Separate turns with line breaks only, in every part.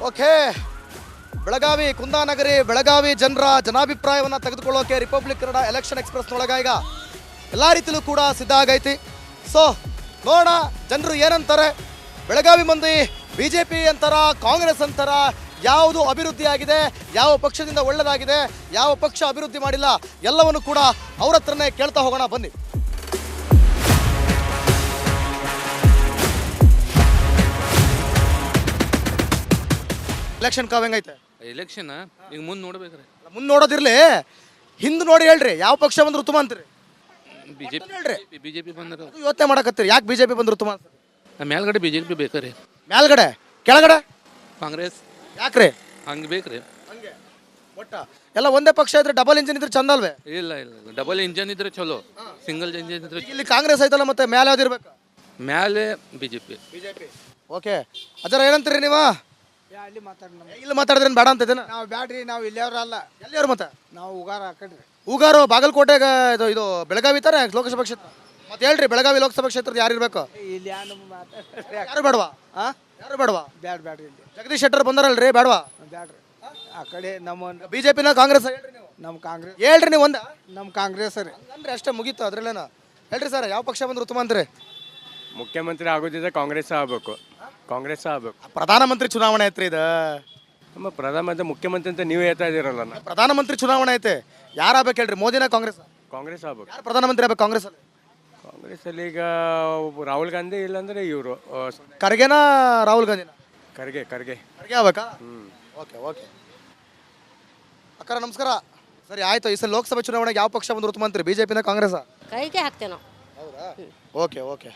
Okay, Belagavi Kundanagari Belagavi ಜನರ ಜನಾಭಿಪ್ರಾಯವನ್ನು ತೆಗೆದುಕೊಳ್ಳೋಕೆ ರಿಪಬ್ಲಿಕ್ ಕನ್ನಡ ಎಲೆಕ್ಷನ್ ಎಕ್ಸ್ಪ್ರೆಸ್ನೊಳಗ ಈಗ ಎಲ್ಲ ರೀತಿಲೂ ಕೂಡ ಸಿದ್ಧ ಆಗೈತಿ. ಸೊ ನೋಡೋಣ ಜನರು ಏನಂತಾರೆ. ಬೆಳಗಾವಿ ಮಂದಿ ಬಿ ಜೆ ಪಿ ಅಂತಾರ, ಕಾಂಗ್ರೆಸ್ ಅಂತಾರ, ಯಾವುದು ಅಭಿವೃದ್ಧಿ ಆಗಿದೆ, ಯಾವ ಪಕ್ಷದಿಂದ ಒಳ್ಳೆಯದಾಗಿದೆ, ಯಾವ ಪಕ್ಷ ಅಭಿವೃದ್ಧಿ ಮಾಡಿಲ್ಲ, ಎಲ್ಲವನ್ನು ಕೂಡ ಅವ್ರ ಹತ್ರನೇ ಕೇಳ್ತಾ ಹೋಗೋಣ ಬನ್ನಿ. ಎಲೆಕ್ಷನ್ ಕಾವ್ ಹೆಂಗೈತೆ?
ಎಲೆಕ್ಷನ್ ಈಗ ಮುಂದೆ ನೋಡ್ಬೇಕ್ರಿ.
ಮುಂದೆ ನೋಡೋದಿರ್ಲಿ, ಹಿಂದೆ ನೋಡಿ ಹೇಳ್ರಿ ಯಾವ ಪಕ್ಷ ಬಂದ್ರು ಉತ್ತಮ ಅಂತೀರಿ?
ಬಿಜೆಪಿ
ಹೇಳ್ರಿ,
ಬಿಜೆಪಿ ಬಂದ್ರೆ
ಯೋಚನೆ ಮಾಡಕತ್ತೀರಿ ಯಾಕೆ ಬಿಜೆಪಿ ಬಂದ್ರು ಉತ್ತಮ ಅಂತ?
ಮೇಲ್ಗಡೆ ಬಿಜೆಪಿ ಬೇಕ್ರಿ,
ಮೇಲ್ಗಡೆ ಕೆಳಗಡೆ
ಕಾಂಗ್ರೆಸ್
ಯಾಕ್ರಿ
ಹಂಗೆ ಬೇಕ್ರಿ.
ಹಂಗೆ ಒಟ್ಟ ಎಲ್ಲ ಒಂದೇ ಪಕ್ಷ ಇದ್ರೆ ಡಬಲ್ ಇಂಜಿನ್ ಇದ್ರೆ ಚಂದ ಅಲ್ವೇ?
ಇಲ್ಲ ಇಲ್ಲ ಡಬಲ್ ಇಂಜನ್ ಇದ್ರೆ ಚಲೋ, ಸಿಂಗಲ್ ಇಂಜನ್ ಇದ್ರೆ
ಈಗ ಇಲ್ಲಿ ಕಾಂಗ್ರೆಸ್ ಐತಲ್ಲ, ಮತ್ತೆ ಮೇಲೆ ಯಾವ್ದಿರ್ಬೇಕು?
ಮ್ಯಾಲೆ ಬಿಜೆಪಿ.
ಬಿಜೆಪಿ. ಓಕೆ ಅಜರ ಏನಂತೀರಿ ನೀವು?
ಅಲ್ಲಿ ಮಾತಾಡಿ
ಇಲ್ಲಿ ಮಾತಾಡಿದ್ರೇನು ಬೇಡ ಅಂತಿದ್ದೇನೆ.
ನಾವು ಬ್ಯಾಡ್ರಿ, ನಾವು ಇಲ್ಲಿಯವ್ರ ಅಲ್ಲ,
ಎಲ್ಲಿಯವ್ರು ಮತ್ತೆ?
ನಾವು ಉಗಾರ ಹಾಕಡ್ರಿ.
ಹೂಗಾರು ಬಾಗಲಕೋಟೆಗೆ ಇದು ಬೆಳಗಾವಿ ತಾನೆ ಲೋಕಸಭಾ ಕ್ಷೇತ್ರ. ಮತ್ತೆ ಹೇಳ್ರಿ ಬೆಳಗಾವಿ ಲೋಕಸಭಾ ಕ್ಷೇತ್ರದ ಯಾರು ಇರ್ಬೇಕು?
ಇಲ್ಲಿ ಯಾರು ಮಾತಾಡ್ರಿ,
ಯಾರು ಬೇಡವಾ?
ಹಾಂ
ಯಾರು ಬೇಡವಾ?
ಬ್ಯಾಡ್ರಿ ಇಲ್ಲಿ
ಜಗದೀಶ್ ಶೆಟ್ಟರ್ ಬಂದಾರಲ್ರಿ, ಬೇಡವಾ?
ಬ್ಯಾಡ್ರಿ. ಆ ಕಡೆ ನಮ್ಮ
ಬಿಜೆಪಿನ ಕಾಂಗ್ರೆಸ್ ಹೇಳ್ರಿ ನೀವು?
ನಮ್ಮ ಕಾಂಗ್ರೆಸ್.
ಹೇಳ್ರಿ ನೀವು ಒಂದ
ನಮ್ಮ ಕಾಂಗ್ರೆಸ್ ರೀ.
ಅಂದ್ರೆ ಅಷ್ಟೇ ಮುಗೀತು, ಅದ್ರಲ್ಲೇನ? ಹೇಳ್ರಿ ಸರ್, ಯಾವ ಪಕ್ಷ ಬಂದ್ರೆ ಉತ್ತಮ ಅಂತೀರಿ?
ಮುಖ್ಯಮಂತ್ರಿ ಆಗೋದಿದ್ರೆ ಕಾಂಗ್ರೆಸ್ ಆಗಬೇಕು, ಕಾಂಗ್ರೆಸ್ ಆಗಬೇಕು.
ಪ್ರಧಾನಮಂತ್ರಿ ಚುನಾವಣೆ ಐತ್ರಿ ಇದು.
ನಮ್ಮ ಪ್ರಧಾನಮಂತ್ರಿ ಮುಖ್ಯಮಂತ್ರಿ ಅಂತ ನೀವು ಹೇಳ್ತಾ ಇದ್ದೀರಲ್ಲ,
ಪ್ರಧಾನಮಂತ್ರಿ ಚುನಾವಣೆ ಐತೆ, ಯಾರಾಗಬೇಕು ಹೇಳ್ರಿ? ಮೋದಿನ ಕಾಂಗ್ರೆಸ್?
ಕಾಂಗ್ರೆಸ್ ಆಗ್ಬೇಕು.
ಯಾರು ಪ್ರಧಾನಮಂತ್ರಿ ಆಗ್ಬೇಕು ಕಾಂಗ್ರೆಸ್ ಅಲ್ಲಿ?
ಕಾಂಗ್ರೆಸ್ಸಲ್ಲಿ ಈಗ ರಾಹುಲ್ ಗಾಂಧಿ ಇಲ್ಲಾಂದ್ರೆ ಇವರು
ಖರ್ಗೆನಾ ರಾಹುಲ್ ಗಾಂಧಿನ?
ಖರ್ಗೆ
ಖರ್ಗೆ ಆಗ್ಬೇಕಾ? ಓಕೆ ಓಕೆ ಅಕ್ಕರ ನಮಸ್ಕಾರ. ಸರಿ ಆಯ್ತು, ಈ ಸಲ ಲೋಕಸಭೆ ಚುನಾವಣೆಗೆ ಯಾವ ಪಕ್ಷ ಬಂದ್ರೆ ಉತ್ತಮ ಅಂತೀರಿ? ಬಿಜೆಪಿನ ಕಾಂಗ್ರೆಸ್?
ಕೈಗೆ ಹಾಕ್ತೇವೆ ನಾವು.
ಹೌದಾ? ಓಕೆ ಓಕೆ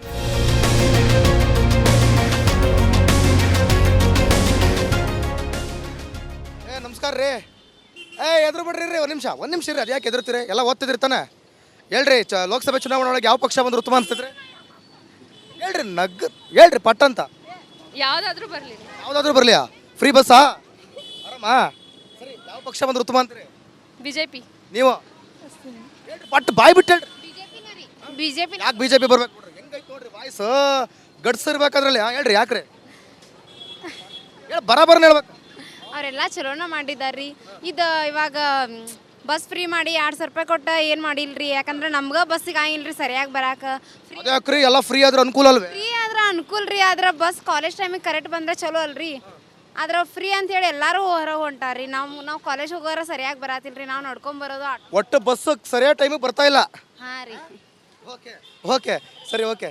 ನಮಸ್ಕಾರ ರೀ. ಎದುರು ಬಿಡ್ರಿ ರೀ, ಒಂದು ನಿಮಿಷ ರೀ. ಅದು ಯಾಕೆ ಎದುರ್ತೀರಿ? ಎಲ್ಲ ಓದ್ತಿದ್ರಿ ತಾನೆ? ಹೇಳ್ರಿ, ಲೋಕಸಭೆ ಚುನಾವಣೆ ಒಳಗೆ ಯಾವ ಪಕ್ಷ ಬಂದ್ರೆ ಉತ್ತಮ ಅನ್ಸ್ತದ್ರಿ? ಹೇಳ್ರಿ, ಹೇಳ್ರಿ ಪಟ್ ಅಂತ.
ಯಾವ್ದಾದ್ರು ಬರಲಿ,
ಯಾವುದಾದ್ರೂ ಬರಲಿಯಾ? ಫ್ರೀ ಬಸ್ಸಾ? ಆರಾಮ? ಸರಿ, ಯಾವ ಪಕ್ಷ ಬಂದ್ರೆ ಉತ್ತಮ ಅಂತೀರಿ?
ಬಿಜೆಪಿ.
ನೀವು ಹೇಳ್ರಿ, ಪಟ್ ಬಾಯ್ ಬಿಟ್ಟು ಹೇಳ್ರಿ.
ಬಿಜೆಪಿ.
ಯಾಕೆ ಬಿಜೆಪಿ ಬರ್ಬೇಕು ನೋಡ್ರಿ? ಹೆಂಗೈತೆ ನೋಡ್ರಿ ವಾಯ್ಸ್, ಗಡ್ಸಿರ್ಬೇಕಾದ್ರಲ್ಲಿ. ಹೇಳ್ರಿ ಯಾಕ್ರಿ? ಹೇಳಿ ಬರಾಬರ್ನ ಹೇಳ್ಬೇಕು.
ಅವರೆಲ್ಲ ಚಲೋನ ಮಾಡಿದಾರ್ರಿ. ಇದು ಇವಾಗ ಬಸ್ ಫ್ರೀ ಮಾಡಿ 2,000 ರೂಪಾಯಿ ಕೊಟ್ಟು ಏನು ಮಾಡಿಲ್ರಿ, ಯಾಕಂದ್ರೆ ನಮ್ಗೆ ಬಸ್ಸಿಗೆ ಆಗಿಲ್ರಿ ಸರಿಯಾಗಿ ಬರಾಕ.
ಅದೇ ಯಾಕ್ರಿ, ಎಲ್ಲ ಫ್ರೀ ಆದ್ರೆ ಅನುಕೂಲ ಅಲ್ವೇ?
ಫ್ರೀ ಆದ್ರೆ ಅನುಕೂಲ ರೀ, ಆದ್ರೆ ಬಸ್ ಕಾಲೇಜ್ ಟೈಮಿಗೆ ಕರೆಕ್ಟ್ ಬಂದ್ರೆ ಚಲೋ ಅಲ್ರಿ. ಆದ್ರೆ ಫ್ರೀ ಅಂತೇಳಿ ಎಲ್ಲರೂ ಹೊರಗೆ ಹೊಂಟಾರ್ರಿ. ನಾವು ಕಾಲೇಜ್ ಹೋಗೋರ ಸರಿಯಾಗಿ ಬರಾತಿಲ್ರಿ, ನಾವು ನಡ್ಕೊಂಬರೋದು.
ಒಟ್ಟು ಬಸ್ ಸರಿಯಾದ ಟೈಮಿಗೆ ಬರ್ತಾ ಇಲ್ಲ.
ಹಾಂ ರೀ.
ಓಕೆ ಓಕೆ ಸರಿ ಓಕೆ.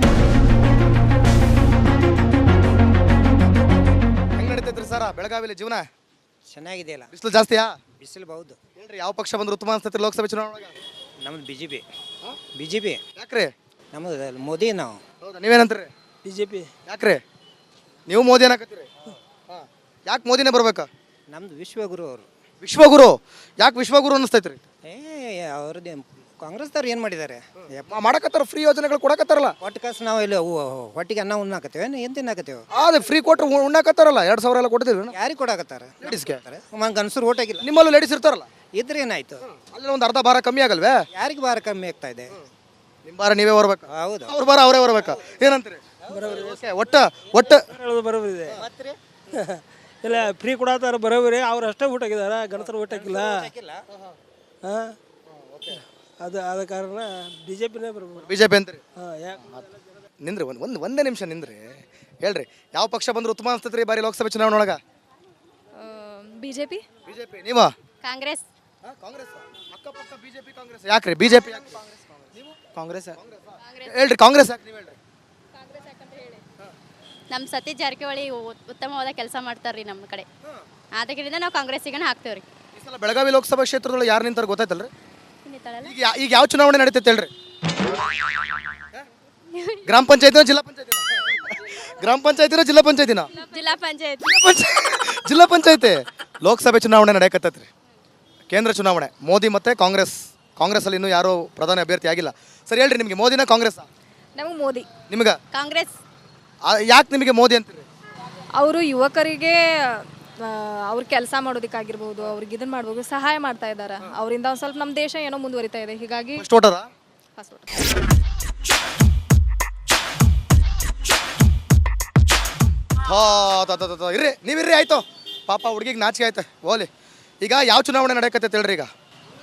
ಹೆಂಗ್ ನಡೀತೈತ್ರಿ ಸರ ಬೆಳಗಾವಿಲಿ ಜೀವನ?
ಚೆನ್ನಾಗಿದೆಯಲ್ಲ,
ಬಿಸಿಲು ಜಾಸ್ತಿಯಾ?
ಬಿಸಿಲು ಬಹುದು.
ಹೇಳ್ರಿ, ಯಾವ ಪಕ್ಷ ಬಂದ್ರೆ ಉತ್ತಮ ಅನ್ಸ್ತೈತ್ರಿ ಲೋಕಸಭೆ ಚುನಾವಣೆ?
ನಮ್ದು ಬಿ ಜೆ ಪಿ.
ಯಾಕ್ರಿ?
ನಮ್ಮದು ಮೋದಿ. ನಾವು
ಹೌದಾ? ನೀವೇನಂತೀರಿ?
B J P.
ಯಾಕ್ರಿ ನೀವು ಮೋದಿ ಅನ್ನಕತ್ತೀರಿ? ಯಾಕೆ ಮೋದಿನೇ ಬರ್ಬೇಕಾ?
ನಮ್ದು ವಿಶ್ವಗುರು ಅವರು.
ವಿಶ್ವಗುರು? ಯಾಕೆ ವಿಶ್ವಗುರು ಅನ್ನಿಸ್ತೈತ್ರಿ?
ಅವ್ರದ್ದು ಕಾಂಗ್ರೆಸ್ದವ್ರು ಏನು ಮಾಡಿದ್ದಾರೆ?
ಮಾಡಕತ್ತಾರ, ಫ್ರೀ ಯೋಜನೆಗಳು ಕೊಡಕತ್ತಾರಲ್ಲ.
ಒಟ್ಟು ಕಾಸು ನಾವು ಇಲ್ಲಿ ಹೊಟ್ಟಿಗೆ ಅನ್ನ ಉಣ್ಣಾಕತ್ತೇವೆ, ಏನು ತಿನ್ನಾಕತ್ತೇವೆ?
ಅದೇ ಫ್ರೀ ಕೊಟ್ರೆ ಉಣ್ಣಾಕತ್ತಾರಲ್ಲ. 2,000 ಎಲ್ಲ ಕೊಡ್ತೀವಿ
ಯಾರಿಗೆ ಕೊಡಾಕತ್ತಾರ?
ಲೇಡೀಸ್ಗೆ.
ಗಂಡಸರು ಓಟ್ ಆಗಿಲ್ಲ.
ನಿಮ್ಮಲ್ಲೂ ಲೇಡೀಸ್ ಇರ್ತಾರಲ್ಲ,
ಇದ್ರೆ ಏನಾಯ್ತು?
ಅಲ್ಲಿ ಒಂದು ಅರ್ಧ ಭಾರ ಕಮ್ಮಿ ಆಗಲ್ವೇ?
ಯಾರಿಗೆ ಭಾರ ಕಮ್ಮಿ ಆಗ್ತಾ ಇದೆ?
ನಿಮ್ಮ ಭಾರ ನೀವೇ ಬರ್ಬೇಕು,
ಹೌದು.
ಅವ್ರ ಭಾರ ಅವರೇ ಬರ್ಬೇಕು. ಏನಂತೀರಿ? ಒಟ್ಟ
ಹೇಳೋದು ಬರೋಬರಿದೆ. ಇಲ್ಲ ಫ್ರೀ ಕೊಡತ್ತಾರ ಬರೋಬರಿ, ಅವ್ರು ಅಷ್ಟೇ ಊಟ ಹಾಕಿದಾರ, ಗಣಸರು ಊಟ ಹಾಕಿಲ್ಲ. ಹಾಂ, ಅದು ಆದ ಕಾರಣ ಬಿ ಜೆ ಪಿನೇ ಬರ್ಬೋದು.
ಬಿಜೆಪಿ ಅಂತೀರಿ?
ಹಾಂ, ಯಾಕೆ
ನಿಂದ್ರಿ, ಒಂದೇ ನಿಮಿಷ ನಿಂದ್ರಿ. ಹೇಳ್ರಿ, ಯಾವ ಪಕ್ಷ ಬಂದ್ರೆ ಉತ್ತಮ ಅನ್ಸ್ತೈತ್ರಿ ಬಾರಿ ಲೋಕಸಭೆ ಚುನಾವಣೆ ಒಳಗ?
ಬಿಜೆಪಿ.
ಬಿಜೆಪಿ. ನೀವು?
ಕಾಂಗ್ರೆಸ್.
ಕಾಂಗ್ರೆಸ್. ಅಕ್ಕಪಕ್ಕ ಬಿಜೆಪಿ ಕಾಂಗ್ರೆಸ್. ಯಾಕ್ರಿ ಬಿಜೆಪಿ?
ಕಾಂಗ್ರೆಸ್.
ಹೇಳ್ರಿ ಕಾಂಗ್ರೆಸ್ ಯಾಕೆ ನೀವು ಹೇಳ್ರಿ?
ನಮ್ಮ ಸತೀಶ್ ಜಾರಕಿಹೊಳಿ ಉತ್ತಮವಾದ ಕೆಲಸ ಮಾಡ್ತಾರ್ರಿ ನಮ್ಮ ಕಡೆ. ಆದ ಕಡೆಯಿಂದ ನಾವು ಕಾಂಗ್ರೆಸ್ಸಿಗೆ ಹಾಕ್ತೇವ್ರಿ.
ಈ ಸಲ ಬೆಳಗಾವಿ ಲೋಕಸಭಾ ಕ್ಷೇತ್ರದೊಳಗೆ ಯಾರು ನಿಂತಾರ ಗೊತ್ತಾಯ್ತಲ್ರಿ? ಈಗ ಯಾವ ಚುನಾವಣೆ ನಡೀತೈತೆ ಹೇಳ್ರಿ? ಗ್ರಾಮ ಪಂಚಾಯತಿನ ಜಿಲ್ಲಾ ಪಂಚಾಯತಿನ? ಗ್ರಾಮ ಪಂಚಾಯತಿನ ಜಿಲ್ಲಾ ಪಂಚಾಯತಿನ?
ಜಿಲ್ಲಾ ಪಂಚಾಯತ್.
ಜಿಲ್ಲಾ ಪಂಚಾಯತಿ. ಲೋಕಸಭೆ ಚುನಾವಣೆ ನಡೆಯಕತ್ತೈತ್ರಿ, ಕೇಂದ್ರ ಚುನಾವಣೆ. ಮೋದಿ ಮತ್ತೆ ಕಾಂಗ್ರೆಸ್ ಅಲ್ಲಿ ಇನ್ನೂ ಯಾರು ಪ್ರಧಾನಿ ಅಭ್ಯರ್ಥಿ ಆಗಿಲ್ಲ. ಸರಿ ಹೇಳ್ರಿ, ನಿಮಗೆ ಮೋದಿನ ಕಾಂಗ್ರೆಸ್?
ನಮಗೆ ಮೋದಿ.
ನಿಮ್ಗೆ
ಕಾಂಗ್ರೆಸ್.
ಯಾಕೆ ನಿಮಗೆ ಮೋದಿ ಅಂತೀರಿ?
ಅವರು ಯುವಕರಿಗೆ ಅವ್ರು ಕೆಲಸ ಮಾಡೋದಕ್ಕಾಗಿರ್ಬೋದು, ಅವ್ರಿಗೆ ಇದನ್ನ ಮಾಡ್ಬೋದು, ಸಹಾಯ ಮಾಡ್ತಾ ಇದ್ದಾರೆ. ಅವರಿಂದ ಒಂದು ಸ್ವಲ್ಪ ನಮ್ಮ ದೇಶ ಏನೋ ಮುಂದುವರಿತಾ ಇದೆ. ಹೀಗಾಗಿ
ಫಸ್ಟ್ ವೋಟರ?
First voter.
ಹೋ ಇರ್ರಿ ನೀವಿರ್ರಿ ಆಯ್ತು ಪಾಪ ಹುಡುಗಿಗೆ ನಾಚಿಕೆ ಆಯ್ತು ಓಲಿ ಈಗ ಯಾವ ಚುನಾವಣೆ ನಡೆಯಕತ್ತೈತೆ ಹೇಳ್ರಿ ಈಗ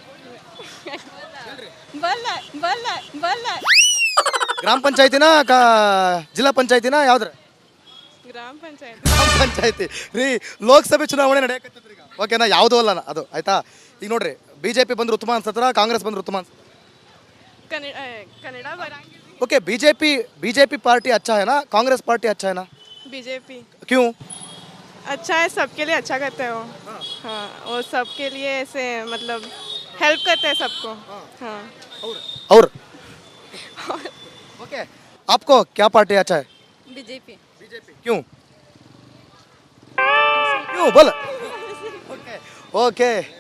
ಗ್ರಾಮ ಪಂಚಾಯತಿನ ಜಿಲ್ಲಾ ಪಂಚಾಯತಿನ ಯಾವ್ದ್ರ
ಗ್ರಾಮ ಪಂಚಾಯತ್
ಗ್ರಾಮ ಪಂಚಾಯತಿ ರೀ ಲೋಕಸಭೆ ಚುನಾವಣೆ ನಡೆಯಕತ್ತೈತ್ರಿ ಈಗ ಓಕೆನಾ ಯಾವುದೂ ಅಲ್ಲ ಅದು ಆಯ್ತಾ ಈಗ ನೋಡ್ರಿ ಬಿಜೆಪಿ ಬಂದ್ರೆ ಉತ್ತಮ ಅನ್ಸತ್ರ ಕಾಂಗ್ರೆಸ್ ಬಂದ್ರೆ ಉತ್ತಮ ಅನ್ಸತ್ರ
कन्नड़ बरांगे
ओके बीजेपी पार्टी अच्छा है ना कांग्रेस पार्टी अच्छा है ना
बीजेपी
क्यों
अच्छा है, सबके लिए अच्छा करते हैं वो। हाँ वो सबके लिए ऐसे मतलब हेल्प करते हैं सबको। हाँ
और ओके आपको क्या पार्टी अच्छा है
बीजेपी
क्यों क्यों बोल ओके ओके